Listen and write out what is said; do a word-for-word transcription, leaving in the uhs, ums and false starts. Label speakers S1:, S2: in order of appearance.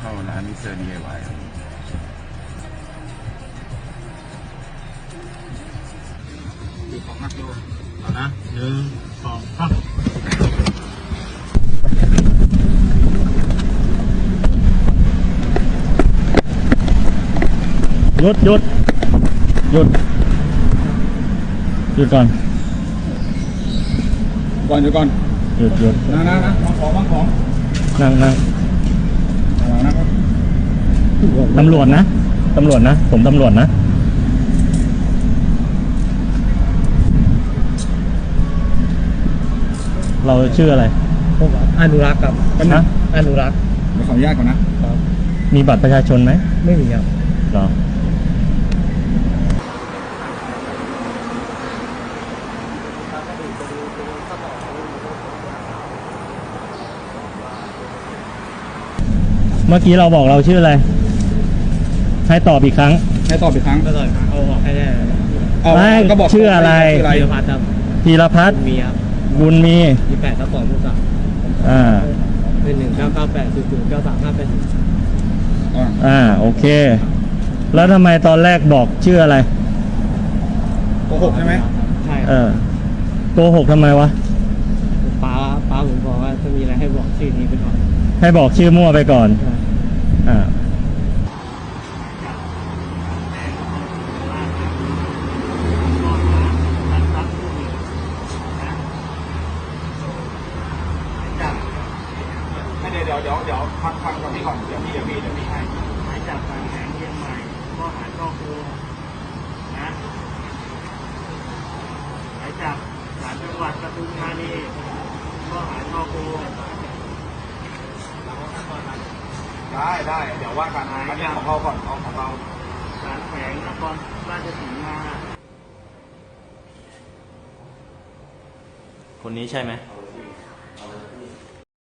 S1: เข้าร้านมิสเตอร์ ดี ไอ วาย
S2: ดูของนักดูเอานะหนึ่งสองสามหยุดหยุดหยุดหยุดก่อนก่อนหยุดก่อนหยุดหยุดนั่งนั่งนะวางของวางของนั่งนั่งนะครับตำรวจนะตำรวจนะผมตำรวจนะเราชื่ออะไรผมอนุรักษ์ครับนะอนุรักษ์เดี๋ยวขออนุญาตก่อนนะมีบัตรประชาชนไหมไม่มีครับหรอเมื่อกี้เราบอกเราชื่ออะไรให้ตอบอีกครั้งให้ตอบอีกครั้งก็ตอบเอาบอกให้ได้ไม่ก็บอกชื่ออะไรพีรพัฒน์ครับพีรพัฒน์มีครับบุญมียี่แปดทับสองทับสามอ่าเป็นหนึ่งเก้าเก้าแปดศูนย์ศูนย์เก้าสามห้าเป็นอ่าโอเคแล้วทำไมตอนแรกบอกชื่ออะไรโกหกใช่ไหมใช่เออโกหกทำไมวะป้าป้าผมบอกว่าถ้ามีอะไรให้บอกชื่อนี้ไปก่อนให้บอกชื่อมั่วไปก่อนอ่าเดี๋ยวเดี๋ยวเดี๋ยวฟังฟังก่อนพี่ก่อนเดี๋ยวพี่เดี๋ยวพี่เดี๋ยวพี่ให้หมายจับบางแสนเชียงใหม่ข้อหาช่อโกงนะหมายจับศาลจังหวัดปทุมธานีข้อหาช่อโกงได้ได้เดี๋ยวว่ากันอันนี้ของเราก่อนเอาของเราศาลแขวงนครราชสีมาคนนี้ใช่ไหม